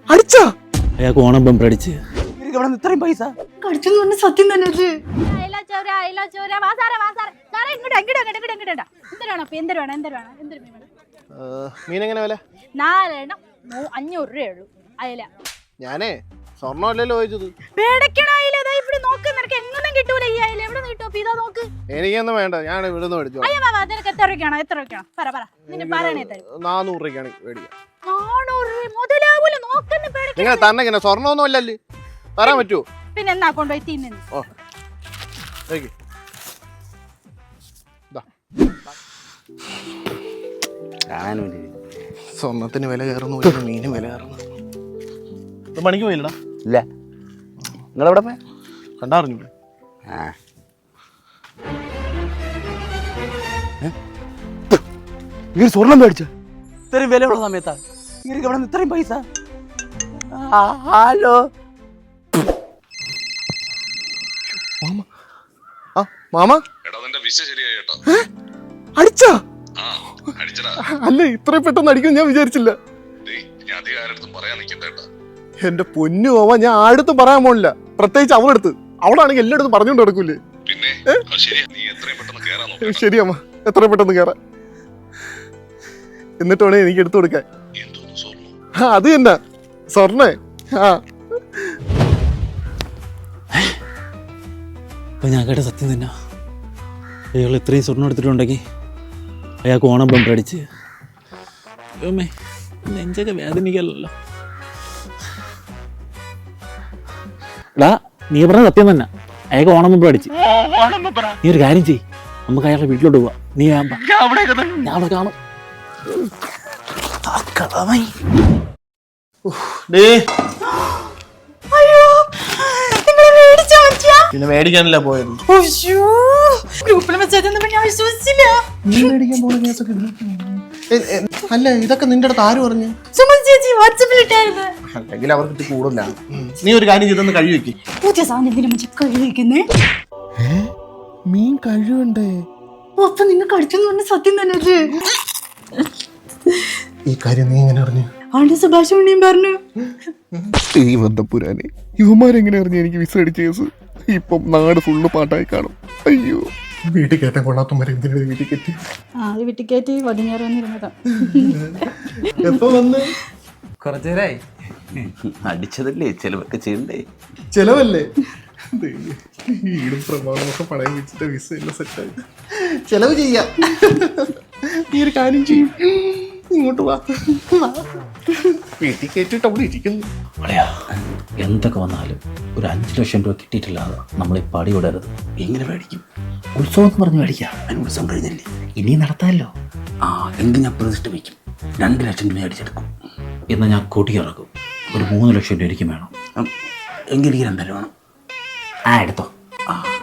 അടിച്ചാ അയാൾക്ക് ഓണം ബമ്പർ അടിച്ച് ഇത്രയും പൈസ കടിച്ചെന്ന് പറഞ്ഞ സത്യം തന്നെ മീനെങ്ങനെ വില? 4 എണ്ണം 500 രൂപയുള്ളൂ അയല. ഞാനേ സ്വർണ്ണമല്ലല്ലോ ചോദിച്ചത്. എനിക്കൊന്നും വേണ്ട, ഞാൻ ഇവിടുന്ന് മേടിച്ചോ. 400 രൂപയ്ക്കാണ് മേടിക്കാം. നിങ്ങൾ തന്നെ ഇങ്ങനെ സ്വർണ്ണമൊന്നും അല്ലല്ലേ, തരാൻ പറ്റുമോ? പിന്നെ എന്നാ കൊണ്ടുപോയി തിന്നു. സ്വർണത്തിന് വില കയറുന്നു, മീനും വില കയറുന്നു. പണിക്ക് പോയില്ലടാ? ഇല്ല. നിങ്ങളെവിടെ പോയ? കണ്ടറിഞ്ഞു. സ്വർണം മേടിച്ച ഇത്രയും വിലയുള്ള സമയത്താ ഇവിടെ ഇത്രയും പൈസ? ഹലോ മാമ അടിച്ചാ? അല്ല, ഇത്രയും പെട്ടെന്ന് അടിക്കും ഞാൻ വിചാരിച്ചില്ല. എന്റെ പൊന്നു മാമ, ഞാൻ ആടുത്തും പറയാൻ പോണില്ല, പ്രത്യേകിച്ച് അവളെടുത്ത്. അവളാണെങ്കിൽ എല്ലായിടത്തും പറഞ്ഞുകൊണ്ട് നടക്കൂലേ. ശരി അമ്മ, എത്രയും പെട്ടെന്ന് കേറാം. എന്നിട്ട് വേണേ എനിക്ക് എടുത്തു കൊടുക്കാൻ. അത് തന്നെ സ്വർണ്ണേ. ഞാൻ കേട്ട സത്യം തന്നെ. അയാൾ ഇത്രയും സ്വർണ്ണം എടുത്തിട്ടുണ്ടെങ്കിൽ അയാൾക്ക് ഓണം ബമ്പർ അടിച്ച് നെഞ്ചൊക്കെ വേദനിക്കല്ലോ. എടാ, നീ പറഞ്ഞ സത്യം തന്നെ. അയാൾക്ക് ഓണം ബമ്പർ അടിച്ച്. നീ ഒരു കാര്യം ചെയ്യ്, നമുക്ക് അയാളുടെ വീട്ടിലോട്ട് പോവാം. നീ ഞാൻ അവിടെ കാണും. പിന്നെ മേടിക്കാനല്ല പോയത്. അല്ല, ഇതൊക്കെ നിന്റെ അടുത്ത് ആര് പറഞ്ഞു? അല്ലെങ്കിൽ അവർക്ക് കൂടുതല. നീ ഒരു കാര്യം ചെയ്തൊന്ന് കഴുകി വെക്ക്. പുതിയ സാധനം കഴുകിക്കുന്നേ. മീൻ കഴുകണ്ടേ? അപ്പൊ നിങ്ങൾ കടിച്ചെന്ന് പറഞ്ഞ സത്യം തന്നെ. ഈ കാര്യം നീ എങ്ങനെ അറിഞ്ഞു? ആണ്ട് സുഭാഷ് മണിയും പറഞ്ഞു. ഈ ബന്ധപ്പുരാനെ ഇവന്മാരെങ്ങനെ അറിഞ്ഞു എനിക്ക് വിസ അടിച്ച കേസ്? ഇപ്പം നാട് ഫുള്ള് പാട്ടായി കാണും. അയ്യോ, വീട്ടിൽ കയറ്റാൻ കൊള്ളാത്തവരെ എന്തിനാ വീട്ടിൽ കയറ്റി? വീട്ടിൽ കയറ്റി വടിഞ്ഞേറാന്നിരുന്നതാ. എപ്പോ വന്ന്? കുറച്ചേരായി. അടിച്ചതല്ലേ, ചെലവൊക്കെ ചെയ്യണ്ടേ? ചെലവല്ലേ? ഈടും പ്രമാണമൊക്കെ പണയം വെച്ചിട്ട് വിസ എല്ലാം സെറ്റായി. ചെലവ് ചെയ്യാം. ഈ ഒരു കാര്യം ചെയ്യും, ഇങ്ങോട്ട് വാ. വീട്ടിൽ കയറ്റിട്ട് അവിടെ ഇരിക്കുന്നു. എന്തൊക്കെ വന്നാലും ഒരു 5 ലക്ഷം രൂപ കിട്ടിയിട്ടില്ലാതെ നമ്മൾ ഈ പടി വിടരുത്. എങ്ങനെ മേടിക്കും? ഉത്സവം എന്ന് പറഞ്ഞ് മേടിക്കാം. അതിന് ഉത്സവം കഴിഞ്ഞല്ലേ, ഇനി നടത്താമല്ലോ. എങ്കിൽ ഞാൻ പ്രതിഷ്ഠ വയ്ക്കും. 2 ലക്ഷം രൂപ അടിച്ചെടുക്കും. എന്നാൽ ഞാൻ കൂട്ടിയിറക്കും. ഒരു 3 ലക്ഷം രൂപ എനിക്ക് വേണം. എങ്കിൽ എനിക്ക് 2 വേണം. എടുത്തോ.